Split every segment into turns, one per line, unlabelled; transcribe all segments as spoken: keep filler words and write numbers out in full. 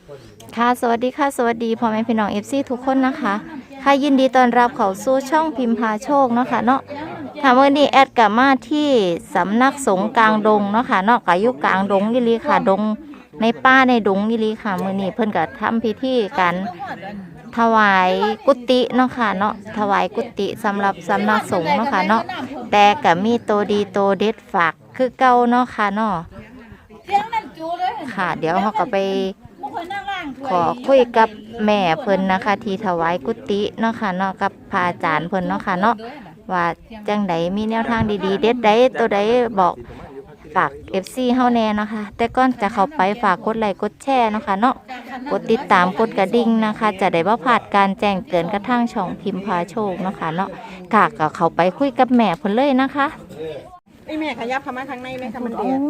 ค่ะสวัสดีค่ะสวัสดีพ่อแม่พี่น้องเอฟซีทุกคนนะคะค่ะยินดีต้อนรับเข้าสู่ช่องพิมพาโชคเนาะค่ะเนาะค่ะเมื่อนี้แอดกลับมาที่สำนักสงฆ์กลางดงเนาะค่ะเนาะก็อยู่กลางดงยี่ลีค่ะดงในป่าในดงยี่ลีค่ะเมื่อนี้เพิ่นก็ทำพิธีการถวายกุฏิเนาะค่ะเนาะถวายกุฏิสำหรับสำนักสงฆ์เนาะค่ะเนาะแต่ก็มีโตดีโตเด็ดฝากคือเก่าเนาะค่ะเนาะค่ะเดี๋ยวเราก็ไปขอคุยกับแม่เพิ่นนะคะ ที่ถวายกุฏิเนาะค่ะเนาะกับพระอาจารย์เพิ่นเนาะค่ะเนาะว่าจังใดมีแนวทางดีๆเด็ดใดตัวใดบอกฝาก เอฟ ซี เฮาแน่เนาะค่ะแต่ก่อนจะเข้าไปฝากกดไลค์กดแชร์เนาะค่ะเนาะกดติดตามกดกระดิ่งนะคะจะได้บ่พลาดการแจ้งเตือนกระทั่งช่องพิมพ์พาโชคเนาะค่ะเนาะกะก็เข้าไปคุยกับแม่เพิ่นเลยนะคะ
ไอแม่ขยับเข้ามาข้างในเลยค่ะมันเดือด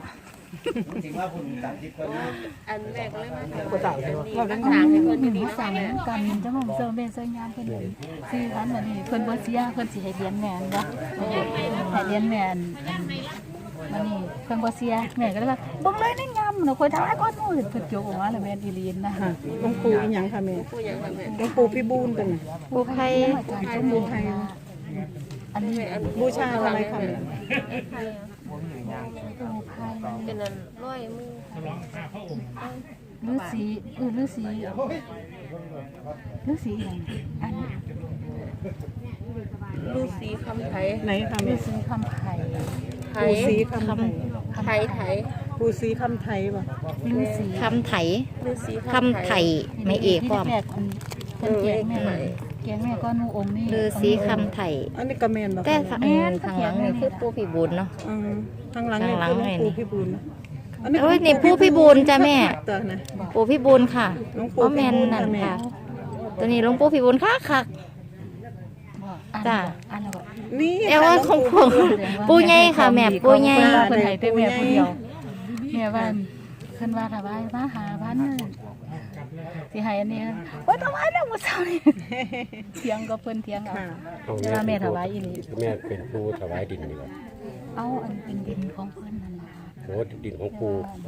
อันแรกก็เลยมาถวายอันนี้ตั้งทางให้เพิ่นดีๆสั่งกันจะมองเซอร์เบเซอร์ยามเพิ่นสี่พันมานี่เพิ่นบ่เสียเพิ่นสิให้เรียนแม่นบ่ให้เรียนแม่นมานี่เพิ่นบ่เสียแม่ก็เลยว่าบ่เลยในงามเนาะค่อยถวายก่อนหมู่เพิ่นจกออกมาแล้วแม่นอีหลีนนะ
หลวงปู่อีหยังค่ะแม่หลวงปู่พี่บูนเป็น
ปู่ไผ
อาจารย์เจ้าปู่ไทย
อันนี้
บูชาอะไรค่ะแม่
เป็นอันร้อยมือ
ฤาษีเออฤาษีฤาษีอย่างอัน
ฤาษีคำไทย
ไหนค่ะแม่
ฤาษีคำไผ่
ไทย
ปู่ศรีคำไทย
ไทยไทย
ปู่ศรีคำไทยป่ะ
ฤาษี
คำไถ
ฤาษี
คำไถไม่เอกพร้อม
คนแก่แม่แก่แม่ก็นูองค์นี่
ฤาษีคำไถ
อันนี้กระเมนป่ะ
แต่ข้างข้างหลังนี่คือปู่พิบูลเนาะ
ข้างหลังนี่คือหลวงปู่พี่บูน
โอ้ยนี่ปู่พิบูลจ้ะแม่
ตัวนะ
ปู่พิบูลค่ะอ๋อแม่นนั่นค่ะตัวนี้หลวงปู่พิบูลค่ะค่ะจ้ะ
อันนั้น
นี่
เอ้ว่าของผมปู่ใหญ่ค่ะแม่ปู่ใหญ่
คนไทยแต่แม่ผู้เดียวแม่ว่าเพิ่นว่าถวายมาหาพันสิให้อันนี้โอ้ยถวายแล้วมื้อเช้านี่เถียงก็เพิ่นเถียงเอาแต่ว่าแม่ถวายอีหลี
แม่เป็นผู้ถวายดินนี่บ่
เอาอันเป็นดินของเพิ่นนั่นล่ะ
โอ้ดินของปู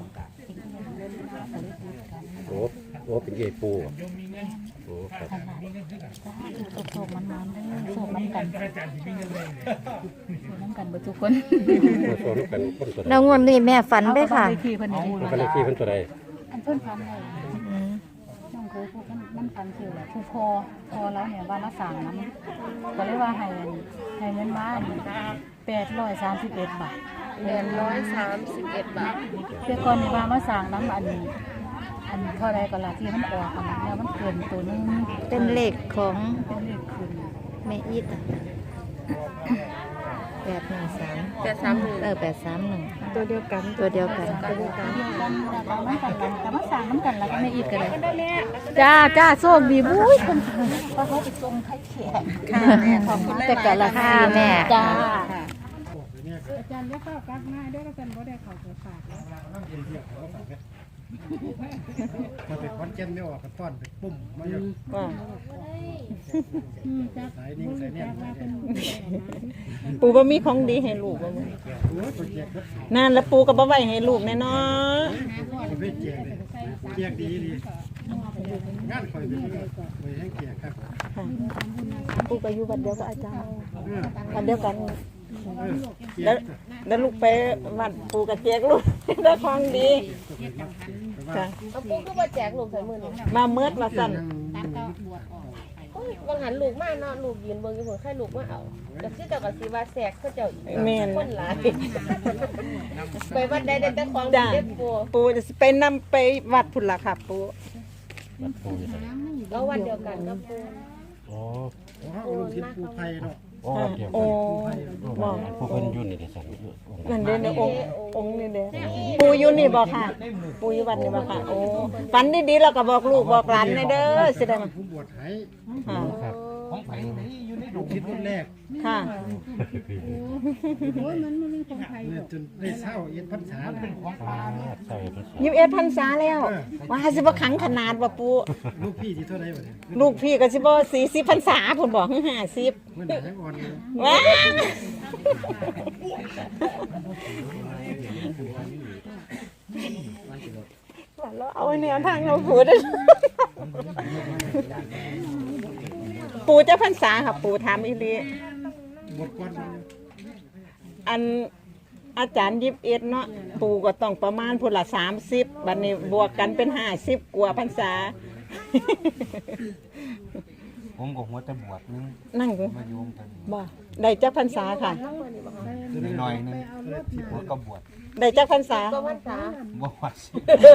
โอ้โอ้เป็นเอปูโอ้ครับ
โศกมันมันได้โศกมันกันโศกมันกันเบิดทุกคน
โซ่กันคนตัวใด
แล้วงวดนี้แม่ฝันไปค่ะ
ที่เพิ่นนี่
กันเลขที่เพิ่นตัวใด
อันเพิ่นฝันได้น้องเคยพูดมันฝันเกี่ยวกับผู้พอพอแล้วเนี่ยว่าละสามนั้นก็เลยว่าให้ให้เงินมาแปดร้อยสามสิบเอ็ดบาท
เงินร้อยสามสิบเอ็ดบาท
เพื่อก่อนในว่ามาสั่งน้ำอันนี้อันเท่าไรก็ละที่มันออกอันนั้นแล้วมันเกินตัวนึง
เป็นเลขของ
เป็นเลขคืน
แม่อีดแปดหนึ่งสาม
แปดสามหนึ่ง
เออแปดสามหนึ่ง
ตัวเดียวกัน
ตัวเดียวกัน
ตัวเดียวกันเดียวกันแต่ว่ามันกันกันแต่ว่าสั่งน้ำกันแล้วก็ไม่อีกกันเลยจ้าจ้าโชคดีบุ้ยคนเพราะเขาไปทรงไข่แขก
ค่ะแม่ขอบคุณ
แต่กะละค่ะแม่
จ้า
อาจารย์ได้ข้าวกักง่ายด้วยแล้วกันบ่ได้ข้าวฝาก
มาเป็นวันเจนไม่ออกกันต้อนเป็นปุ่มมาอยู่สายนิ่งสายเนี่ย
ปูบ่มีของดีให้ลูกบ่นั่นแล้วปูก็บ่ไว้ให้ลูกแน่เนาะ
ประเภทเจียเลยเจียดีดีงานคอยเป็นคอยให้เกียร์ครับ
ปูก็อยู่บัดเดียวกับอาจารย์บัดเดียวกันแล้วแล้วลูกไปวัดปูกับเจียกลูกได้ของดี
ค่ะเอาปูก็มาแจกลูกใส่มือนี่
มาเมื่อมาสั่น
บางหันลูกมาเนาะลูกยืนเบิ่งอยู่เพิ่นใครลูกมาเอาก็คือเจ้าก็สิว่าแสกเขาเจ้าอีกคนหลายไปวัดใดได้แต่ของดีเด็ดปู
ปูจะไปนำไปวัดพุ่นล่ะค่ะปู
แล้ววันเดียวกันกับปู
อ๋อ
โอ้ทิศปูไทยเนาะ
โอ้เดี๋ยว
โอ้
บ่ผู้เพิ่นอยู่นี่ได้สั่น
นั่นเด้อองค์องค์นี่เด้อปูอยู่นี่บ่ค่ะปูอยู่วัดนี่บ่ค่ะโอ้ฝันดีๆแล้วก็บอกลูกบอกหลานในเด้อสิได้มา
ผู้บวชให้
ครับ
ของไผอยู่ในลูกทิศรุ่นแรก
ค่ะ
โอ้ยมันมันมีของไผจนได้เศร้าเอ็ดพรรษาเป็นของปลา
ใช่
ยี่สิบเอ็ดพรรษาแล้วว่าสิบ่ขังขนาดบ่ปู
ลูกพี่ที่เท่าใดบ่
ลูกพี่ก็สิบ่สี่สิบพรรษาพุ่นบ่ห้าสิบ
มันได้อ่อนเลย
ว้าหัวเราะเอาไว้แนวทางเราปูได้ปูเจ้าพรรษาค่ะปูถามอีหลี
หมดก่อน
อันอาจารย์ยิบเอ็ดเนาะปูก็ต้องประมาณพุ่นละสามสิบบัดนี้บวกกันเป็นห้าสิบกว่าพรรษา
ผมก็หัวแต่บวชนึง
นั่ง
มาโยมกัน
บ่ได้จักพรรษาค่ะ
หน่อยนึงหัวก็บวช
ได้จักพรรษา
บ่ฮอดสิ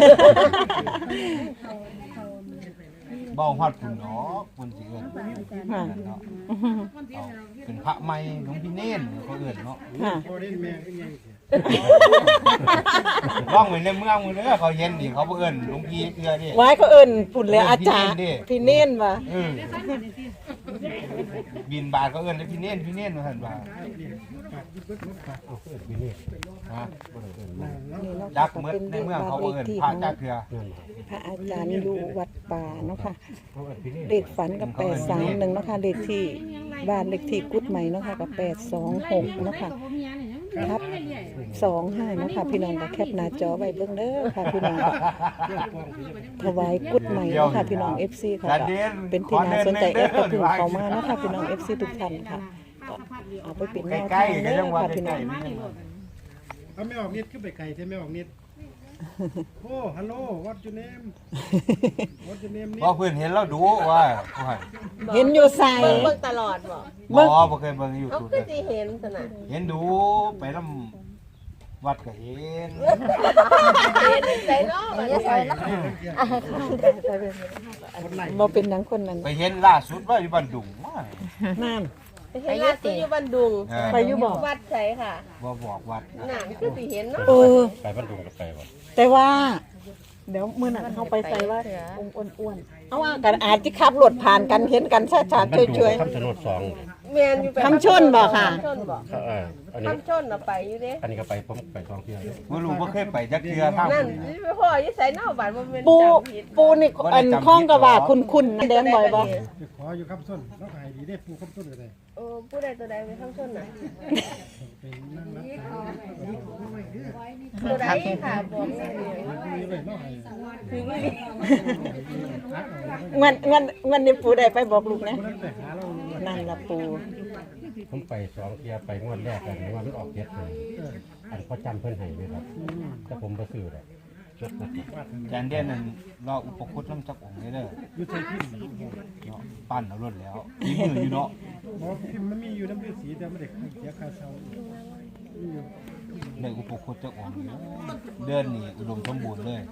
บ่ฮอดพุ่นเนาะพุ่นสิเอิ้น
ค่ะ
เนาะเอาเป็นพระใหม่หลวงพี่เน้นเขาเอิ้นเนาะ
ค่ะ
พอได้แม่ก็ยัง
ร้องไว้ในเมืองมื้อเด้อเขาเห็นดิเขาบ่เอิ้นหลวงพี่เอื้อดิ
ไว้เขาเอิ้นพุ่นแล้วอาจารย์พี่เน้นว่ะ
เออบินบาทเขาเอิ้นเลยพี่เน้นพี่เน้นว่าซั่นว่าฮะจักหมดในเมืองเขาบ่เอิ้นพระจักเทื่อ
พระอาจารย์อยู่วัดป่าเนาะค่ะเลขฝันกับแปดสามหนึ่งเนาะค่ะเลขที่บ้านเลขที่กุดใหม่เนาะค่ะกับแปดสองหกเนาะค่ะครับสองห้าเนาะค่ะพี่น้องก็แคปหน้าจอไว้เบิ่งเด้อค่ะพี่น้องถวายกุดใหม่เนาะค่ะพี่น้อง เอฟ ซี ค่ะก็เป็นที่น่าสนใจแอดก็ถึงเข้ามาเนาะค่ะพี่น้อง เอฟ ซี ทุกท่านค่ะก็เอาไปเป็นแนว
ใกล้
ทาง
ๆก็
เด้
ยัง
อ
ว่า
ค่ะพี่
ใก
น้
ล้
อง
ๆนี่
เอาไม่ออกนิดขึ้นไปไกลใช่ไหมออกนิดโอ้ฮัลโหล what your name what your name นี่
ว่าเพื่อนเห็นแล้วดูว่าผู้ให้
เห็นอยู่ใส่
เบิ่งตลอดบ่
บ่บ่เคยเบิ่งอยู่
เขา
สุด
คือสิเห็นสนะ
เห็นดูไปนำวัดก็เห็น
เห็นใส่เนาะอย่าใส่เนาะ
บ่เป็นหนังคนนั้น
ไปเห็นล่าสุดว่าอยู่บ้านดุงว่า
นั่น
เห็นล่าสุดอยู่บ้านดุง
เออ
ไปอยู่บ่
วัดไสค่ะ
บ่บอกวัด
น่ะคือสิเห็นเนาะ
เออ
ไปบ้านดุงกับไปบ่
แต่ว่า เดี๋ยวมื้อนั้นเขาไปใส่ว่าองค์อ้วนๆเอาว่ากันอาจจะขับรถผ่านกันเห็นกันชัด
บ้าน
ๆ
ดุง
ช่วย
คำชะโนดสอง
แม่นอยู่ไป
คำชนบ่ค่ะ
คำชนบ่
เอออันนี้
คำชนน่ะไปอยู่เด้
อันนี้ก็ไปผมไปสองเที่ยว
บ่รู้บ่เคยไปจักเทื่อทาง
นั่นสิไปพ่ออยู่ไสเนาะบ้านบ่แม่น
ๆปู
จำผิด
ปูนี่อันข้องกะว่าคุณๆแดงบ่อยบ่
ไปขออยู่คำส้นแล้วขายดีได้ปูคำส้นก็ได้
เออผู้ใดตัวใดเป็นคำชนน่ะ
เป็นนั่งรับสาย
ตัวใดค่ะบอกแม่เลย
มีเลยเนาะ
ถึงนี่
เงินเงินเงินนี่ปูได้ไปบอกลูกนะ
คนนั้นไปหาเรา
นั่นล่ะปู
ผมไปสองเที่ยวไปงวดแรกกันว่ามันออกเจ็ดเลยอันพ่อจำเพิ่นให้เลยครับแต่ผมบ่ซื้อหรอก
อาจารย์เด่นนั่นรออุปคุตนำจักองค์เด้อ
อยู่ไทยพิมพ์
เนาะปั้นเอารถแล้วมีมืออยู่เนาะ
หมอพิมพ์มันมีอยู่น้ำเลือดสีแต่ไม่ได้เสียค่าเช่า
ได้อุปคุตจักองค์อยู่เดือนนี้อุดมสมบูรณ์เลย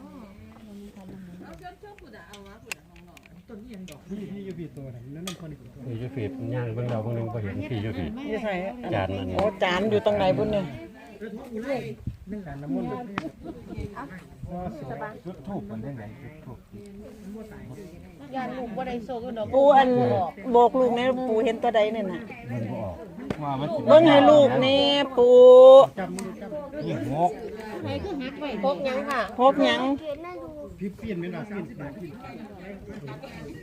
พี่พี่อยู่พี่ตัวนั้นนั่นน้ำคนอีกตัว
นี่ยูฟีดย่างเบิ่งเราเบิ่งหนึงบ่เห็นพี่ยูฟีด
นี่ใส่
จานมัน
โอ้จานอยู่ตรงไหนบุญเนี่ย
การน้ำมันต์ว่าสวย
จุดทูปมันได้ไหนจุดทูป
ยานลูกบ่ได้โซกดอก
ปูอันบอกลูกนะปูเห็นตัวใดเนี่ยน่ะ
มันบ่ออก
ว่ามันสิ
เบิ่งให้ลูกแนี่ปู
จำมือจำ
ยี่หก
พกหยังค่ะ
พกหยัง
พี่เปลี่ยนไม่ได้เปลี่ยนเปลี่ยนเปลี่ยน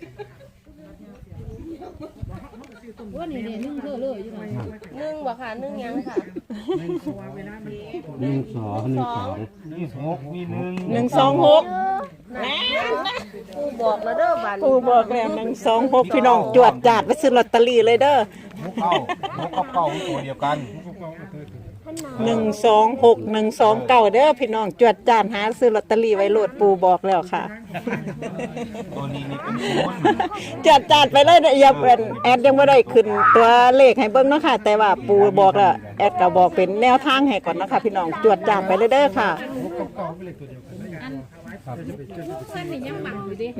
นึ่งบ่ค่ะนึ่งหยังค่ะ
หนึ่งสองหนึ่งสอง
มีหกมีหนึ่ง
หนึ่งสองหก
ปูบอกแล้วเด้อบ้าน
ปูบอกแล้วหนึ่งสองหกพี่น้องจวดจาดไปซื้อลอตเตอรี่เลยเด้อ
หกเข้าหกกับเก้าตัวเดียวกัน
พวกเราเอาเธอถือ
หนึ่งสองหกหนึ่งสองเก้าเด้อพี่น้องจวดจาดหาซื้อลอตเตอรี่ไว้โหลดปูบอกแล้วค่ะ
ตัวนี้นี่เป็นศูนย์
จวดจาดไปเลยนะอย่าเป็นแอดยังไม่ได้ขึ้นตัวเลขให้เบิ่งเนาะค่ะ แต่ว่าปูบอกแล้วแอดก็บอกเป็นแนวทางให้ก่อนเนาะคะพี่น้องจวดจาดไปเลยเด้อค่ะ
พวกเก่าๆไปเลยตัวเดียวกันไม่อยากครับจะไปเจอจะไปซื้อ
มันยังหา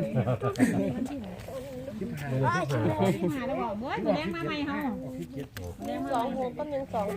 สองหกก็ยังสอง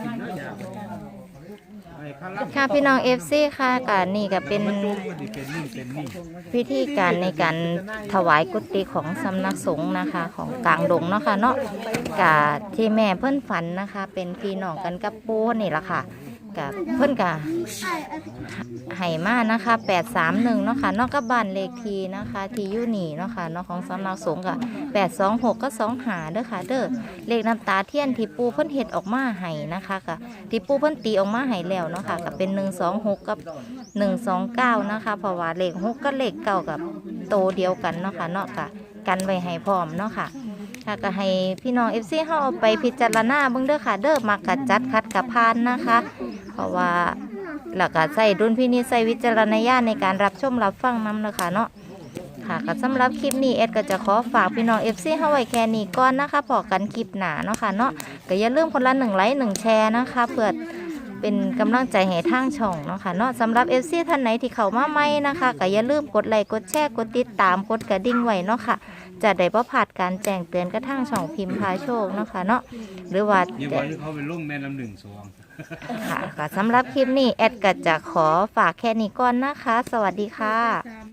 ค่ะพี่น้อง เอฟ ซี ค่ะก็นี่ก็เป็น
เป็นนี่เป็นนี่
พิธีการในการถวายกุฏิของสำนักสงฆ์นะคะ ของกลางดงเนาะค่ะเนาะกะที่แม่เพิ่นฝันนะคะ เป็นพี่น้องกันกับปูนี่แหละค่ะกับเพิ่นกับให้มานะคะแปดสามหนึ่งเนาะค่ะนอกกับบ้านเลขทีนะคะที่อยู่นี่เนาะค่ะนอกของสำนักสงฆ์กับแปดสองหกก็สองหาเด้อค่ะเด้อเลขน้ำตาเทียนที่ปูเพิ่นเฮ็ดออกมาให้นะคะกับที่ปูเพิ่นตีออกมาให้แล้วเนาะค่ะกับเป็นหนึ่งสองหกกับหนึ่งสองเก้านะคะเพราะว่าเลขหกกับเลขเก้ากับโตเดียวกันเนาะค่ะเนาะกับกันไว้ให้พร้อมเนาะค่ะค่ะก็ให้พี่น้อง เอฟ ซี เฮาเอาไปพิจารณาเบิ่งเด้อค่ะเด้อมักกะจัดคัดกะพานนะคะ เพราะว่าแล้วก็ใส่ดุลพินิจใส่วิจารณญาณในการรับชมรับฟังนำเนาะค่ะเนาะค่ะก็สำหรับคลิปนี้เอ็ดก็จะขอฝากพี่น้อง เอฟ ซี เฮาไว้แค่นี้ก่อนนะคะพอกันคลิปหน้าเนาะค่ะเนาะก็อย่าลืมคนละหนึ่งไลค์หนึ่งแชร์นะคะเพื่อเป็นกำลังใจให้ทางช่องเนาะค่ะเนาะสำหรับ เอฟ ซี ท่านไหนที่เข้ามาใหม่นะคะก็อย่าลืมกดไลค์กดแชร์กดติดตามกดกระดิ่งไว้เนาะค่ะจะได้บ่พลาดการแจ้งเตือนกระทั่งช่องพิมพ์พาโชคเนาะค่ะเนาะหรือว่า
ยี่วันที่เขาเป็นลุ่มแม่น้ำหนึ่งสวง
ค่ะค่ะสำหรับคลิปนี้แอดก็จะขอฝากแค่นี้ก่อนนะคะ สวัสดีค่ะ